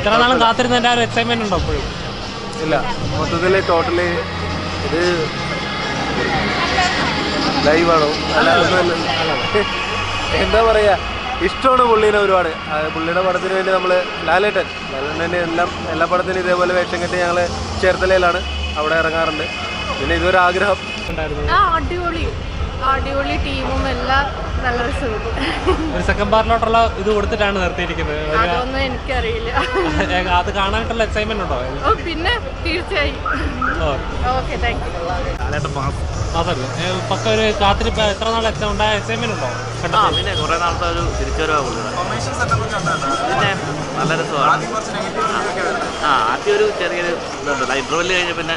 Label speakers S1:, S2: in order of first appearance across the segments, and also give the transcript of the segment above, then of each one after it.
S1: ഇത്ര നാളും കാത്തിരുന്നതിൻ്റെ ആ ഒരു എക്സൈറ്റ്മെന്റ് ഉണ്ടോ ഇപ്പോഴും?
S2: ഇല്ല, മൊത്തത്തിൽ ടോട്ടലി ഇത് ലൈവാണോ എന്താ പറയുക, ഇഷ്ടമാണ് പുള്ളീനെ ഒരുപാട്. പുള്ളിയുടെ പടത്തിന് വേണ്ടി നമ്മൾ ലാലേട്ടൻ്റെ എല്ലാ പടത്തിനും ഇതേപോലെ വേഷം കെട്ടി ഞങ്ങൾ ചേർത്തലയിലാണ്, അവിടെ ഇറങ്ങാറുണ്ട്. പിന്നെ ഇതൊരു ആഗ്രഹം
S1: ഉണ്ടായിരുന്നു.
S3: അടിപൊളി ടീമും എല്ലാം നല്ല രസമുണ്ട്.
S1: ഒരു സെക്കൻഡ് പാർട്ടിലോട്ടുള്ള ഇത് കൊടുത്തിട്ടാണ് നിർത്തിയിരിക്കുന്നത്.
S3: അതൊന്നും എനിക്കറിയില്ല.
S1: അത് കാണാനായിട്ടുള്ള എക്സൈറ്റ്മെന്റ് ഉണ്ടോ?
S3: പിന്നെ തീർച്ചയായും. Okay, thank you.
S1: പക്ക ഒരു കാത്തിരിപ്പ് എത്ര നാൾ ഉണ്ടായ എക്സൈറ്റ്മെന്റ് ഉണ്ടോ?
S4: പിന്നെ കുറെ നാളത്തെ ഒരു തിരിച്ചുവരവാ പിന്നെ നല്ല രസമാണ്. ആദ്യം ഒരു ചെറിയൊരു ഇതുണ്ടല്ലോ, ഇന്റർവെല് കഴിഞ്ഞ പിന്നെ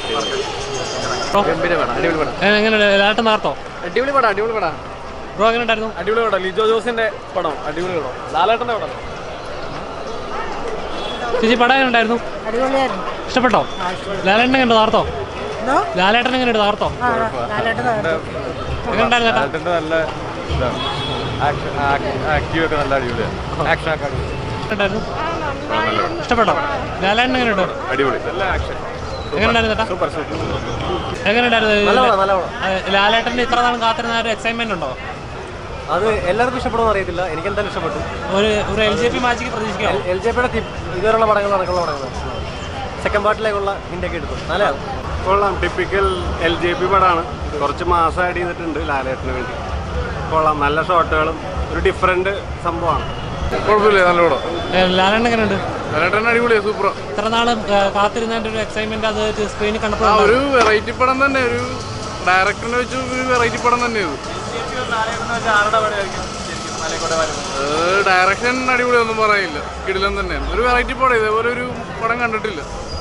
S1: എങ്ങനെയുണ്ട് ലാലേട്ടൻ നാർത്തോ?
S2: അടിപൊളി പടം
S1: ബ്രോ എങ്ങനെ ഉണ്ടായിരുന്നു?
S2: അടിപൊളി പടം. ലിജോ ജോസിന്റെ പടം അടിപൊളി പടം. ലാലേട്ടന്റെ പടം.
S1: ചേച്ചി പടം എങ്ങനെ ഉണ്ടായിരുന്നു? ഇഷ്ടപ്പെട്ടോ? ലാലേട്ടൻ എങ്ങനെ നാർത്തോ? ലാലേട്ടൻ എങ്ങനെയുണ്ട് നാർത്തോ? എങ്ങനെ ഉണ്ടായിരുന്നു?
S2: നല്ല ആക്റ്റീവ് ഒക്കെ നല്ല അടിപൊളിയാണ്. ആക്ഷൻ ഒക്കെ
S1: ഉണ്ടായിരുന്നു. ഇഷ്ടപ്പെട്ടോ? ലാലേട്ടൻ എങ്ങനെയുണ്ട്?
S2: അടിപൊളി. നല്ല ആക്ഷൻ.
S1: എങ്ങനെയുണ്ടായിരുന്നു ചേട്ടാ?
S2: Super super.
S1: എങ്ങനെയുണ്ടായിരുന്നു? ലാലേട്ടൻ്റെ ഇത്ര നാളും കാത്തിരുന്ന ഒരു എക്സൈറ്റ്മെന്റ് ഉണ്ടോ?
S2: അത് എല്ലാവർക്കും ഇഷ്ടപ്പെടുമെന്ന് അറിയത്തില്ല, എനിക്ക് എന്തായാലും ഇഷ്ടപ്പെട്ടു.
S1: ഒരു LJP മാച്ചിക്ക് പ്രതീക്ഷിക്കാം.
S2: LJPയുടെ ഇതുവരെയുള്ള പടങ്ങൾ നടക്കുന്ന പടങ്ങൾ സെക്കൻഡ് പാർട്ടിലേക്കുള്ള ഹിന്റൊക്കെ എടുത്തു. നല്ലതാണ്.
S5: കൊള്ളാം. ടിപ്പിക്കൽ LJP പടമാണ്. കുറച്ച് മാസം ആഡ് ചെയ്തിട്ടുണ്ട് ലാലേട്ടന് വേണ്ടി. കൊള്ളാം. നല്ല ഷോട്ടുകളും ഒരു ഡിഫറെന്റ് സംഭവമാണ്.
S2: കുഴപ്പമില്ല, നല്ല പടം.
S1: ലാലേട്ടൻ എങ്ങനെയുണ്ട്?
S2: ലാലേട്ടൻ അടിപൊളിയാണ്, സൂപ്പർ.
S1: ഇത്ര നാളും കാത്തിരുന്നതിന്റെ ഒരു എക്സൈറ്റ്മെന്റ് അത് സ്ക്രീനിൽ കണ്ടപ്പോൾ
S2: ഒരു വെറൈറ്റി പടം തന്നെ, ഒരു ഡയറക്ടറിനെ വെച്ച് ഒരു വെറൈറ്റി പടം തന്നെ ഇത്. ഡയറക്ഷൻ അടിപൊളിയൊന്നും പറയില്ല, കിടിലൻ തന്നെയാണ്. ഒരു വെറൈറ്റി പടം, ഇതേപോലെ ഒരു പടം കണ്ടിട്ടില്ല.